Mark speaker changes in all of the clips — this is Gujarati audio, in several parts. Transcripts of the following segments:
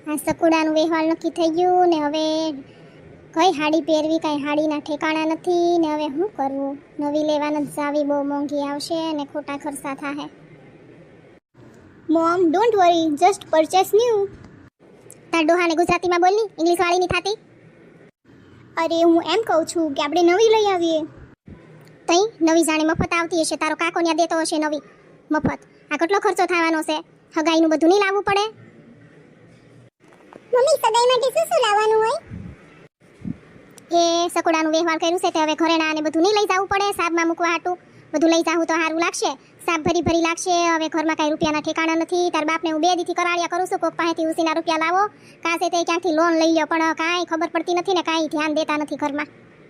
Speaker 1: આ સકુડાનું વેહવાલ નક્કી થઈ ગયું ને હવે કઈ હાડી પહેરવી, કઈ હાડીના ઠેકાણા નથી ને હવે શું કરવું? નવી લેવા નથી જાવી, બહુ મોંઘી આવશે ને ખોટા ખર્ચા થાહે. Mom don't worry, just purchase new. તાર ડોહાને ગુજરાતીમાં બોલની, ઇંગ્લિશ વાળી ની થાતી. અરે હું એમ કહું છું કે આપણે નવી લઈ આવીએ. તઈ નવી જાણે મફત આવતી હશે, તારો કાકો ન્યા દેતો હશે નવી મફત. આ કેટલો ખર્ચો થવાનો છે? હગાઈનું બધું નહીં લાવવું પડે? મમ્મી સગાઈ માટે શું શું લાવવાનું હોય? એ સકોડાનું વ્યવહાર કર્યું છે તે હવે ઘરેણા ને બધું નહીં લઈ જવું પડે. સાબમાં મૂકવા હાટું બધું લઈ જાવું તો સારું લાગશે. સાબ ભરી ભરી લાગશે. હવે ઘરમાં કાંઈ રૂપિયાના ઠેકાણા નથી. તાર બાપને હું 2 દીથી કરાળિયા કરું છું, કોક પાસેથી ઉસીના રૂપિયા લાવો, કાસે તે ક્યાંથી લોન લઈ લો, પણ કાંઈ ખબર પડતી નથી ને કાંઈ ધ્યાન દેતા નથી ઘરમાં.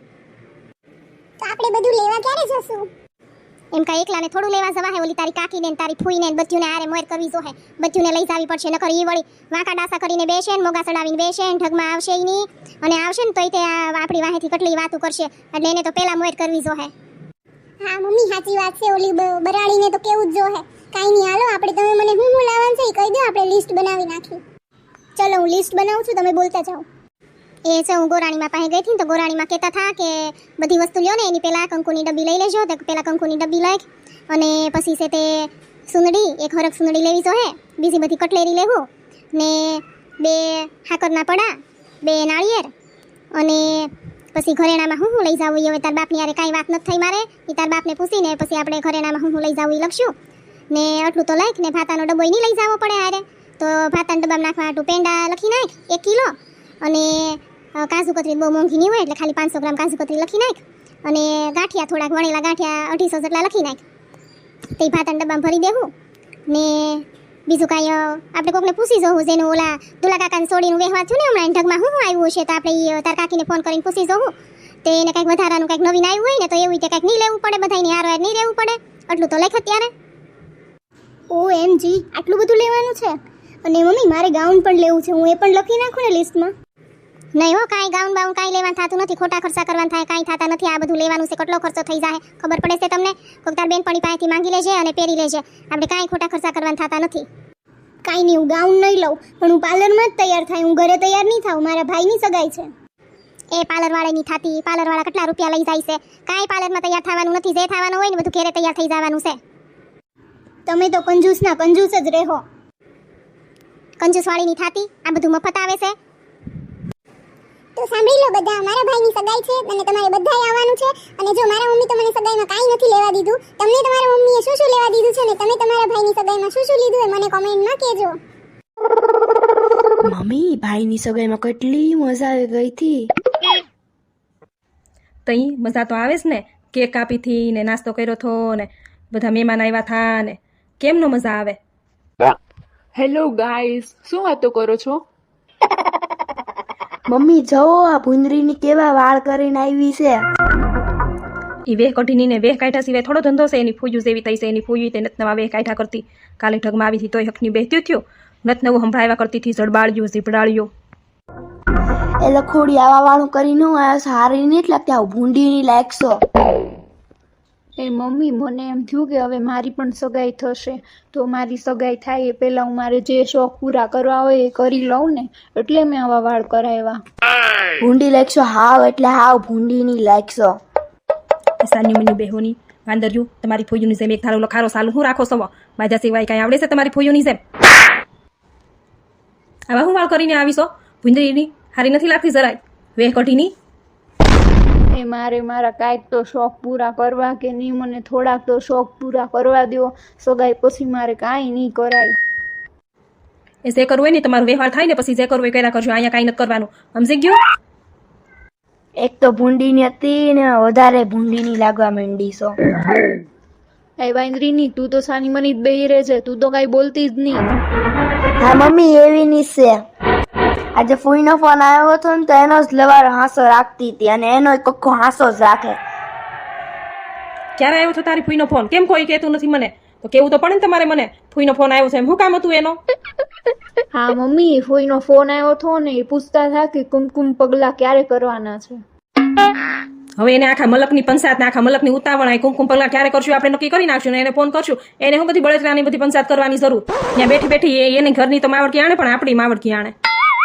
Speaker 1: તો આપણે બધું લેવા ક્યારે જશું? એમ કાંઈ એકલાને થોડું લેવા જવા હે? ઓલી તારી કાકીને ને તારી ફૂઈને ને બધ્યુંને આરે મોર કરવી જોહે. બધ્યુંને લઈ જાવી પડશે, નકર ઈ વળી વાંકા ડાસા કરીને બેસે ને મોગા ચડાવીને બેસે ને ઢગમાં આવશે ઈ ની, અને આવશે ને તોય તે આપણી વાહેથી કેટલી વાતું કરશે, એટલે એને તો પેલા મોર કરવી જોહે. હા મમ્મી સાચી વાત છે. ઓલી બરાડીને તો કેવું જ જોહે. કાઈ નહીં, હાલો આપણે, તમે મને હું લાવવાનું છે એ કહી દો, આપણે લિસ્ટ બનાવી નાખી. ચલો હું લિસ્ટ બનાવું છું, તમે બોલતા જાઓ. એ છે હું ગોરાણીમાં પાસે ગઈ હતી તો ગોરાણીમાં કહેતા હતા કે બધી વસ્તુ લ્યો ને એની પહેલાં કંકુની ડબ્બી લઈ લેજો. તો પહેલાં કંકુની ડબ્બી લઈ અને પછી છે તે સુંદડી, એક હરક સુંદડી લેવી જો હે, બીજી બધી કટલેરી લેવું ને 2 હાકરના પડા, 2 નાળિયેર, અને પછી ઘરેણામાં હું લઈ જાવું. હવે તાર બાપની યારે કાંઈ વાત નથી થઈ મારે, એ તાર બાપને પૂછીને પછી આપણે ઘરેણામાં હું લઈ જાવું એ લખશું ને. આટલું તો લખ ને ભાતાનો ડબ્બો નહીં લઈ જવો પડે હારે, તો ભાતાના ડબ્બામાં નાખવા હાટું પેંડા લખી નાખ 1 કિલો, અને કાજુ કતરી બહુ મોંઘી નહીં હોય એટલે ખાલી 500 ગ્રામ કાજુ કતરી લખી નાખ, અને ગાંઠિયા થોડાક વણેલા ગાંઠિયા 250 જેટલા લખી નાખ. તે ભાતાના ડબ્બામાં ભરી દેવું ને. બીજું કાંઈ આપણે કોકને પૂછી જોવું, જેનું ઓલા દુલા કાકાને છોડીનું વ્યવહાર થયું ને હમણાં ઢગમાં હું આવ્યું છે, તો આપણે તાર કાકીને ફોન કરીને પૂછી જોવું. તે એને કંઈક વધારાનું કંઈક નવીન આવ્યું હોય ને તો એવું કંઈક નહીં લેવું પડે, બધાની હારો નહીં રહેવું પડે. આટલું તો લખ અત્યારે. OMG, આટલું બધું લેવાનું છે? અને મમ્મી મારે ગાઉન પણ લેવું છે, હું એ પણ લખી નાખું ને લિસ્ટમાં? નહીં હો, કાંઈ ગાઉન બાઉન કાંઈ લેવાનું થતું નથી, ખોટા ખર્ચા કરવાના થાય, કાંઈ થતા નથી. આ બધું લેવાનું છે, કેટલો ખર્ચો થઈ જાય ખબર પડે છે તમને? કોક તાર બેનપણી પાસેથી માંગી લેજે અને પહેરી લેજે. આપણે કાંઈ ખોટા ખર્ચા કરવાના થતા નથી. કાંઈ નહીં, હું ગાઉન નહીં લઉં, પણ હું પાર્લરમાં જ તૈયાર થાય, હું ઘરે તૈયાર નહીં થાઉં. મારા ભાઈની સગાઈ છે. એ પાર્લરવાળા નહીં થતી, પાર્લરવાળા કેટલા રૂપિયા લઈ જાય છે. કાંઈ પાર્લરમાં તૈયાર થવાનું નથી, જે થવાનું હોય ને બધું ઘરે તૈયાર થઈ જવાનું છે. તમે તો કંજૂસના કંજૂસ જ રહો. કંજૂસવાળી નહીં થતી, આ બધું મફત આવે છે. તો સાંભળી લો બધા, મારા ભાઈની સગાઈ છે અને તમારે બધાએ આવવાનું છે. અને જો મારા મમ્મી તો મને સગાઈમાં કાંઈ નથી લેવા દીધું, તમને તમારા મમ્મીએ શું શું લેવા દીધું છે ને તમે તમારા ભાઈની સગાઈમાં શું શું લીધું એ મને કોમેન્ટમાં કહેજો.
Speaker 2: મમ્મી ભાઈની સગાઈમાં કેટલી મજા આવી ગઈ હતી.
Speaker 3: તઈ મજા તો આવે જ ને, કેક કાપી થી ને નાસ્તો કર્યો થો ને બધા મહેમાન આવ્યા થા ને, કેમનો મજા આવે.
Speaker 4: હેલો ગાઈસ, શું વાતો કરો છો?
Speaker 2: મમ્મી જવો આ ભૂંદરીની કેવા વાળ કરીને આવી છે.
Speaker 3: એ વેહ કઢીની ને વેહ કાઢ્યા સિવાય થોડો ધંધો છે? એની ફૂયું જેવી થઈ છે, એની ફૂયું તે નત નવા વેહ કાઢ્યા કરતી. કાલે ઢગમાં આવી હતી તોય હકની બેહતી થયો, નત નવું સંભળાવ્યા કરતી હતી, જડબાળ્યું ઝીપડાળ્યું.
Speaker 2: એ લખોડી આવા વાળું કરીને સારી નહીં લાગતી, આવું ભૂંડીની લાગશો.
Speaker 5: એ મમ્મી મને એમ થયું કે હવે મારી પણ સગાઈ થશે, તો મારી સગાઈ થાય એ પહેલાં હું મારે જે શોખ પૂરા કરવા હોય એ કરી લઉં ને, એટલે મેં આવા વાળ કરાવ્યા.
Speaker 2: ભૂંડી લાગશો હાવ, એટલે હાવ ભૂંડીની લાગશો.
Speaker 3: સાની મની બેહોની વાંદર્યું, તમારી ફૂયુની જેમ એક ધારો લખારો સાલું હું રાખો સવો? માજા સિવાય કાંઈ આવડે છે તમારી ફૂયુની જેમ? આવા હું વાળ કરીને આવીશો? ભૂંદરીની હારી નથી લાગતી જરાય, વેહ કઢીની.
Speaker 5: એ મારે મારા કાંઈક તો શોખ પૂરા કરવા કે નહીં, મને થોડાક તો શોખ પૂરા કરવા દો. સગાઈ પછી મારે કાંઈ નહીં કરાય.
Speaker 3: એ જે કરવું હોય ને તમારું વ્યવહાર થાય ને પછી જે કરવું એ કર્યા કરજો, અહીંયા કાંઈ નથી કરવાનું, સમજી ગયો?
Speaker 2: એક તો ભૂંડીની હતી ને વધારે ભૂંડીની લાગવા માંડી છો.
Speaker 5: એ વાંદરીની તું તો સાની મની જ બેહી રહે છે, તું તો કાંઈ બોલતી જ નહીં.
Speaker 2: હા મમ્મી એવી ની છે. આજે ફૂઈનો ફોન આવ્યો હતો ને તો એનો જ લવારો હાંસો રાખતી હતી, અને એનો કક્કો હાંસો જ રાખે.
Speaker 3: ક્યારે આવ્યો છો તારી ફૂઈનો ફોન? કેમ કોઈ કહેતું નથી મને? તો કેવું તો પડે ને તમારે મને, ફૂઈનો ફોન આવ્યો છે એમ. શું કામ હતું એનો?
Speaker 5: હા મમ્મી, ફોઈનો ફોન આવ્યો હતો ને એ પૂછતા હતા કે કુમકુમ પગલા ક્યારે કરવાના છે.
Speaker 3: હવે એને આખા મલકની પંચાયત ને આખા મલકની ઉતાવળ, કુમકુમ પગલા ક્યારે કરશું આપણે નક્કી કરી નાખશું ને એને ફોન કરશું. એને હું બધી બળતરાની બધી પંચાયત કરવાની જરૂર? ત્યાં બેઠી બેઠી એની ઘરની તો માવડકી આણે પણ આપણી માવડકી આણે.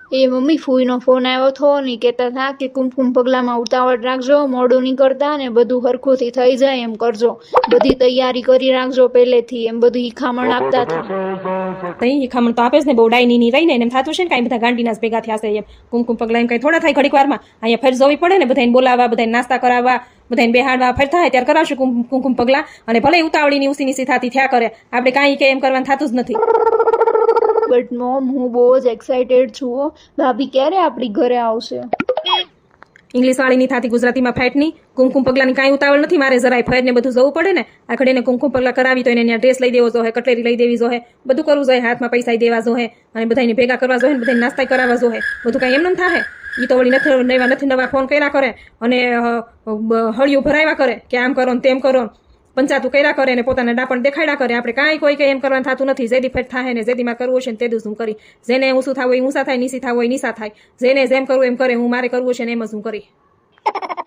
Speaker 5: એ મમ્મી ફૂઈનો ફોન આવ્યો હતો ને ઈ કહેતા હતા કે કુમકુમ પગલામાં ઉતાવળ રાખજો, મોડું નહીં કરતા ને બધું હરખુંથી થઈ જાય એમ કરજો, બધી તૈયારી કરી રાખજો પહેલેથી, એમ બધું ઈખામણ આપતા હતા.
Speaker 3: તઈ ખમણ તો આપે જ ને, બહુ ડાયની ની રહીને એમ થતું છે ને કાંઈ બધા ગાંડીના જ ભેગા થયા છે એમ. કુમકુમ પગલા એમ કઈ થોડા થાય ઘડીક વારમાં. અહીંયા ફેર જોવી પડે ને, બધાને બોલાવવા, બધાને નાસ્તા કરાવવા, બધાને બેહાડવા, ફેર થાય ત્યારે કરાવશું કુમકુમ પગલા. અને ભલે ઉતાવળીની ઉસીની થતી થયા કરે, આપણે કાંઈ કે એમ કરવાનું થતું જ નથી.
Speaker 5: બટ મોમ હું બહુ જ એક્સાઇટેડ છું હો. ભાભી ક્યારે આપણી ઘરે આવશે?
Speaker 3: ઇંગ્લિશ વાળીની થતી ગુજરાતીમાં ફેટની. કુમકુમ પગલાની કાંઈ ઉતાવળ નથી મારે, જરાય ફેરને બધું જવું પડે ને. આખડે એને કુમકુમ પગલા કરાવી તો એને ત્યાં ડ્રેસ લઈ દેવો જોઈએ, કટલેરી લઈ દેવી જોઈએ, બધું કરવું જોઈએ, હાથમાં પૈસા દેવા જોઈએ, અને બધાને ભેગા કરવા જોઈએ, બધાને નાસ્તા કરાવવા જોઈએ. બધું કાંઈ એમ ન થાય. એ તો વળી નથી નવા ફોન કર્યા કરે અને હળિયું ભરાવ્યા કરે કે આમ કરો ને તેમ કરો, પંચાયતું કર્યા કરે ને પોતાના ડાપણ દેખાડ્યા કરે. આપણે કાંઈ કોઈ કે એમ કરવાનું થતું નથી. જેદી ફેટ થાય ને જેદીમાં કરવું છે ને તે દું હું કરી. જેને ઊંસું થવું હોય ઊંસા થાય, નીસી થવું હોય નીસા થાય. જેને જેમ કરવું એમ કરે. હું મારે કરવું છે ને એમ જ હું કરી.